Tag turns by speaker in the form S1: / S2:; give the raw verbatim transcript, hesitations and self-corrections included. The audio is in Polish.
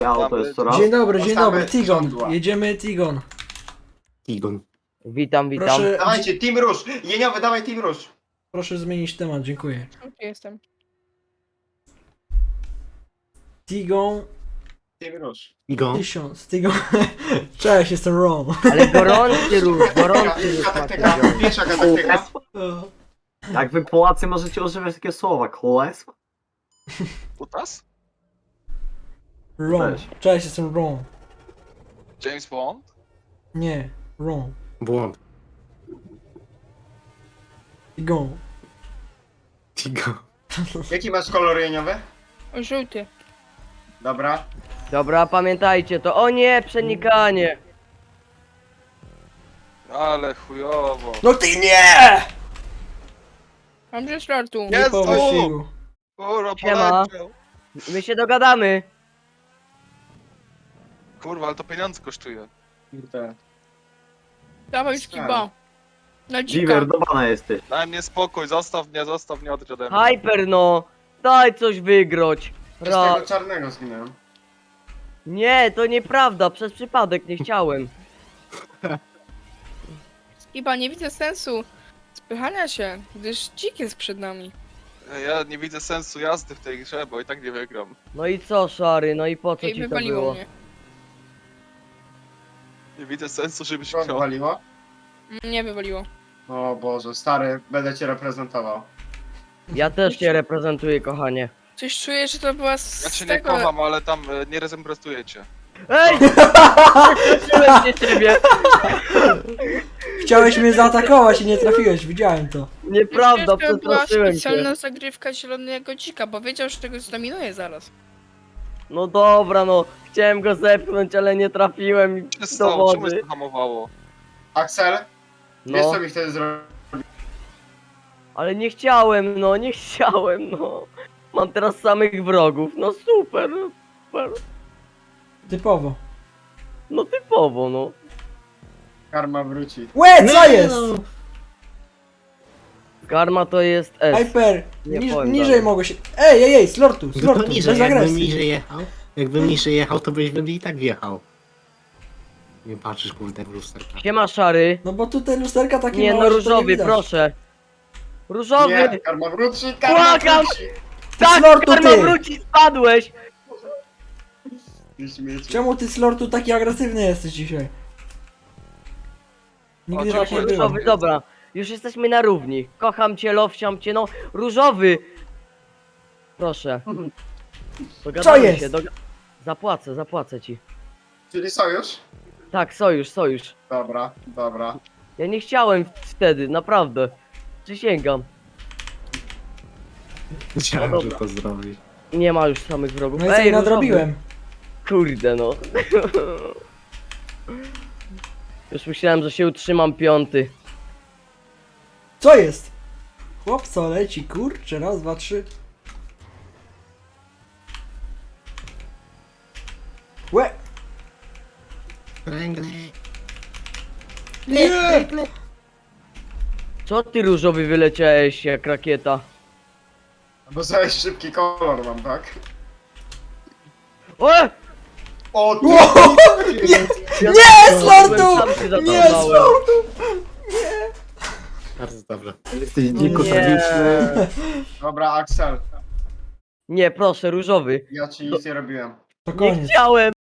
S1: Auto jest co raz.
S2: Dzień dobry, dzień
S3: Postawmy
S2: dobry, Tigon.
S3: żądła.
S2: Jedziemy Tigon.
S1: Tigon.
S4: Witam, witam.
S2: Proszę,
S3: Dawajcie, Team Róż! Jeniowy, dawaj Team Róż!
S2: proszę zmienić temat, dziękuję.
S5: Tu jestem.
S2: Tigon
S3: Team Róż.
S1: Tigon.
S2: tysiąc. Tigon. Cześć, jestem Ron.
S4: Ale gorący ruch, gorący ruch
S3: Taktyka,
S4: macie.
S3: pierwsza taktyka.
S1: Jak wy Polacy możecie używać takiego słowa? Królestwo?
S6: Kutas?
S2: Ron.
S1: Cześć.
S2: Cześć, jestem Ron.
S6: James Bond?
S2: Nie, Ron.
S1: Błąd.
S2: Tigon.
S1: Tigon.
S3: Jaki masz kolor jeniowy?
S5: O, żółty.
S3: Dobra.
S4: Dobra, pamiętajcie to. O nie, przenikanie.
S6: Ale chujowo.
S2: No ty nie!
S5: Mam że startu.
S2: Nie
S6: Jest
S2: po
S6: tu!
S2: wyścigu.
S6: Kurwa,
S4: Siema.
S6: poleciał.
S4: My się dogadamy.
S6: Kurwa, ale to pieniądze kosztuje.
S3: Kurde.
S5: Dawaj skiba. Na dzika.
S1: Dziwer, do bana jesteś.
S6: Daj mnie spokój, zostaw mnie, zostaw mnie, odejdź ode mnie.
S4: Hyper no. Daj coś wygroć.
S3: Przez
S4: Ra...
S3: tego czarnego zginąłem.
S4: Nie, to nieprawda, przez przypadek nie chciałem.
S5: Skiba, nie widzę sensu spychania się, gdyż dzik jest przed nami.
S6: Ja nie widzę sensu jazdy w tej grze, bo i tak nie wygram.
S4: No i co, szary, no i po co
S5: Ej,
S4: ci to
S5: wywaliło
S4: było?
S5: mnie.
S6: Nie widzę sensu, żebyś
S3: Co
S6: chciał.
S3: waliło?
S5: Nie wywaliło.
S3: O Boże, stary, będę cię reprezentował.
S4: Ja też cię reprezentuję, kochanie.
S5: Coś czuję, że to była z
S6: Ja cię nie
S5: tego...
S6: kocham, ale tam e, nie reprezentuję cię.
S4: Ej! Przestraszyłem się ciebie.
S2: Chciałeś mnie zaatakować i nie trafiłeś, widziałem to.
S4: Nieprawda,
S5: Przecież to była
S4: przestraszyłem
S5: specjalna
S4: się.
S5: zagrywka zielonego dzika, bo wiedział, że tego zdominuje zaraz.
S4: No dobra, no. Chciałem go zepchnąć, ale nie trafiłem i
S6: Co się
S4: do
S6: stało? Czemu
S4: wody.
S6: się to hamowało?
S3: Axel, wiesz
S4: No,
S3: co mi wtedy zrobił?
S4: ale nie chciałem, no, nie chciałem, no. Mam teraz samych wrogów, no super, no, super.
S2: Typowo.
S4: No typowo, no.
S3: Karma wróci.
S2: Łe, co jest?
S4: Karma to jest S.
S2: Hyper.
S4: Nie
S2: Niż,
S4: powiem
S2: niżej
S4: dalej.
S2: mogło się... Ej, ej, ej, Slortu,
S7: No to
S2: Slortu,
S7: niżej,
S2: bez
S7: jakbym
S2: agresji.
S7: niżej jechał, jakbym niżej jechał, to byś bym i tak wjechał. Nie patrzysz kurde w lusterka.
S4: Siema szary.
S2: No bo tutaj lusterka takie
S4: Nie,
S2: małe,
S4: no
S2: że to nie
S4: różowy,
S2: widać.
S4: proszę. Różowy!
S3: Nie, karma wróci, karma
S4: Błagam!
S3: wróci!
S4: Tak,
S2: Slortu,
S4: karma
S2: ty!
S4: wróci, spadłeś!
S3: Ty śmieci.
S2: Czemu ty, Slortu, taki agresywny jesteś dzisiaj? Nigdy
S6: O,
S2: tak nie
S6: dziękuję,
S2: było.
S4: Różowy, dobra. Już jesteśmy na równi. Kocham cię, lowsiam cię, no. Różowy! Proszę. Dogadamy
S2: Co jest?
S4: się, doga... Zapłacę, zapłacę ci.
S3: Czyli sojusz?
S4: Tak, sojusz, sojusz.
S3: Dobra, dobra.
S4: Ja nie chciałem wtedy, naprawdę. Przysięgam.
S7: Chciałem,
S4: No
S7: że
S4: dobra.
S7: to zrobić.
S4: Nie ma już samych wrogów.
S2: No i sobie
S4: różowy.
S2: nadrobiłem.
S4: Kurde no. Już myślałem, że się utrzymam piąty.
S2: Co jest? Chłop co leci, kurczę, raz, dwa, trzy. Łe!
S7: Kręgle.
S2: Nie!
S4: Co ty różowy wyleciałeś jak rakieta?
S3: Bo za szybki kolor mam, tak?
S4: O!
S3: O, ty!
S2: Nie, Slortu!
S4: Sam się
S2: Nie,
S4: zatrzymałem.
S2: Slortu!
S7: Bardzo dobrze.
S1: Jesteś dziko
S4: Nie.
S1: tragiczny.
S3: Dobra, Axel,
S4: Nie, proszę, różowy.
S3: ja ci nic nie robiłem.
S2: To
S4: Nie
S2: koniec.
S4: chciałem.